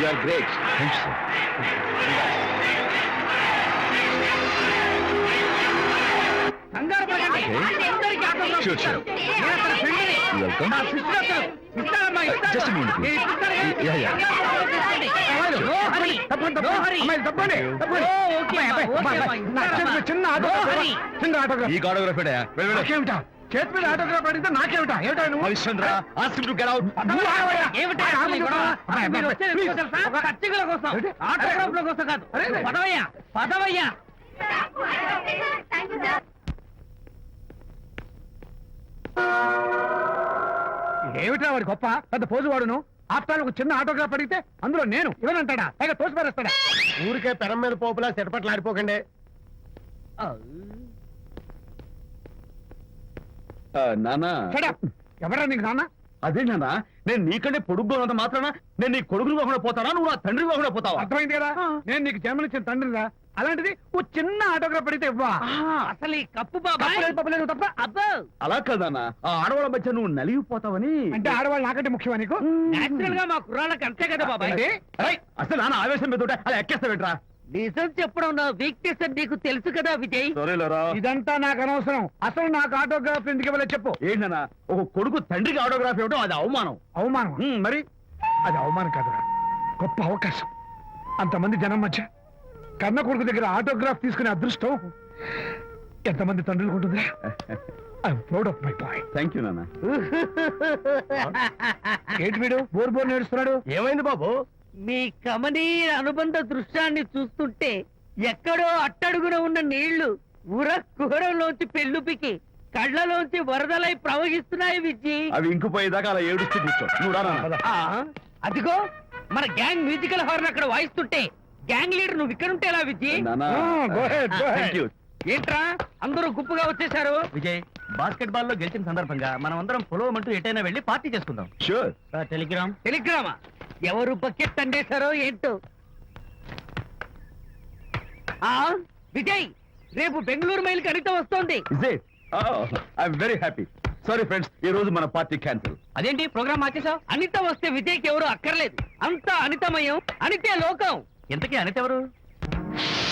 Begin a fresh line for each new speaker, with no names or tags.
You are great.
Thanks, sir.
కంగారు పడకండి. అందరికీ ఆటోగ్రాఫ్
Sure,
ఇస్తాను.
sure.
నేను అతని ఫ్రెండ్ని.
Welcome.
నా సిస్టర్ అతను. ఇస్తానమ్మా, ఇస్తాను.
Just a minute, please.
నేను ఇప్పిస్తాను కదా.
Yeah, yeah.
కంగారు పడకండి. No hurry. No hurry. Oh, okay అమ్మా, okay అమ్మా, ఇస్తానమ్మా. No hurry.
ఈ ఆటోగ్రాఫ్
నాకేమిటా చేతి మీద ఆటోగ్రాఫ్ అడిగితే నాకేమిటా ఏమిటా నువ్వు
Harishchandra ask him to get out.
ఏమిటి అసలు ఈ గొడవ? మీరు వచ్చేది ఎందుకో తెలుసా? పచ్చికల కోసం, ఆటోగ్రాఫ్ల కోసం కాదు. పదవయ్యా, పదవయ్యా.
ఏమిటా వాడి గొప్ప పెద్ద పోజు వాడును ఆఫ్టర్ ఒక చిన్న ఆటోగ్రాఫ్ అడిగితే అందులో నేను ఇవ్వనంటాడా పైగా తోసి పారేస్తాడా ఊరికే పెరం మీద పోపులా చెరపట్లు ఆడిపోకండి
నానా
ఎవరా నీకు నాన్న
అదే నానా నేను నీకంటే పొడుగ్గా ఉన్నంత మాత్రాన నేను నీ కొడుకుని కాకుండా పోతానా నువ్వు నా తండ్రి కాకుండా పోతావా?
అర్థమైంది కదా నేను నీకు జన్మనిచ్చిన తండ్రిరా అలాంటిది ఓ చిన్న ఆటోగ్రాఫ్ అడిగితే ఇవ్వా
అసలు ఈ కప్పు బాబాయ్
తప్పలేదు తప్ప
అబ్బో
అలా కదానా ఆ ఆడవాళ్ళ మధ్య నువ్వు నలిగిపోతావని.
అంటే ఆడవాళ్ళు నాకంటే ముఖ్యమా నీకు
నేచురల్ గా మా కుర్రాళ్ళకి అంతే కదా బాబాయ్.
అంటే?
అరే, అసలు నాన్న ఆవేశం మీద ఉంటే అలా ఎక్కేస్తావేంట్రా?
నిజం చెప్పడం నా వీక్నెస్ అని నీకు తెలుసు కదా విజయ్.
సరేలేరా
ఇదంతా నాకు అనవసరం అసలు నాకు ఆటోగ్రాఫ్ ఎందుకు ఇవ్వలేదు చెప్పు
ఏంటన్నా ఒక కొడుకు తండ్రికి ఆటోగ్రాఫ్ ఇవ్వడం అది అవమానం.
అవమానం
మరి
అది అవమానం కాదురా గొప్ప అవకాశం అంతమంది జనం మధ్య కన్న కొడుకు దగ్గర ఆటోగ్రాఫ్ తీసుకునే అదృష్టం ఎంతమంది తండ్రులకు ఉంటుందిరా I'm proud of my boy
thank you నాన్న.
ఏంటి వీడు బోర్ బోర్ నేడుస్తున్నాడు
ఏమైంది బాబు?
మీ కమనీయ అనుబంధ దృశ్యాన్ని చూస్తుంటే ఎక్కడో అట్టడుగున ఉన్న నీళ్లు ఉర కుహరంలోంచి పెళ్ళుపికి కళ్ళలోంచి వరదలై ప్రవహిస్తున్నాయి విజ్జి.
అవి ఇంకుపోయేదాకా అలా ఏడుస్తూ కూర్చో. నువ్వు రా నాన్న.
అదిగో మన గ్యాంగ్ మ్యూజికల్ హార్న్ అక్కడ వాయిస్తుంటే గ్యాంగ్ లీడర్ నువ్వు ఇక్కడ ఉంటే ఎలా విజ్జి?
నాన్న.
go ahead, go ahead.
Thank you.
ఏంట్రా అందరూ గుంపుగా వచ్చేసారు?
విజయ్ బాస్కెట్ బాల్ లో గెలిచిన సందర్భంగా మనం అందరం పొలవమంటూ ఎటైనా వెళ్ళి పార్టీ చేసుకుందాం.
Sure.
టెలిగ్రామ్
టెలిగ్రామా? ఎవరు బకెట్ అండేశారో ఏంటో. విజయ్ రేపు బెంగళూరు మైల్ అనిత వస్తోంది.
Is it? Oh, I'm very happy. Sorry friends, ఈ రోజు మన పార్టీ క్యాన్సిల్.
అదేంటి ప్రోగ్రామ్ మార్చేసావు?
అనిత వస్తే విజయ్కి ఎవరు అక్కర్లేదు. అంతా అనితమయం, అనితే లోకం.
ఇంతకీ అనిత ఎవరు?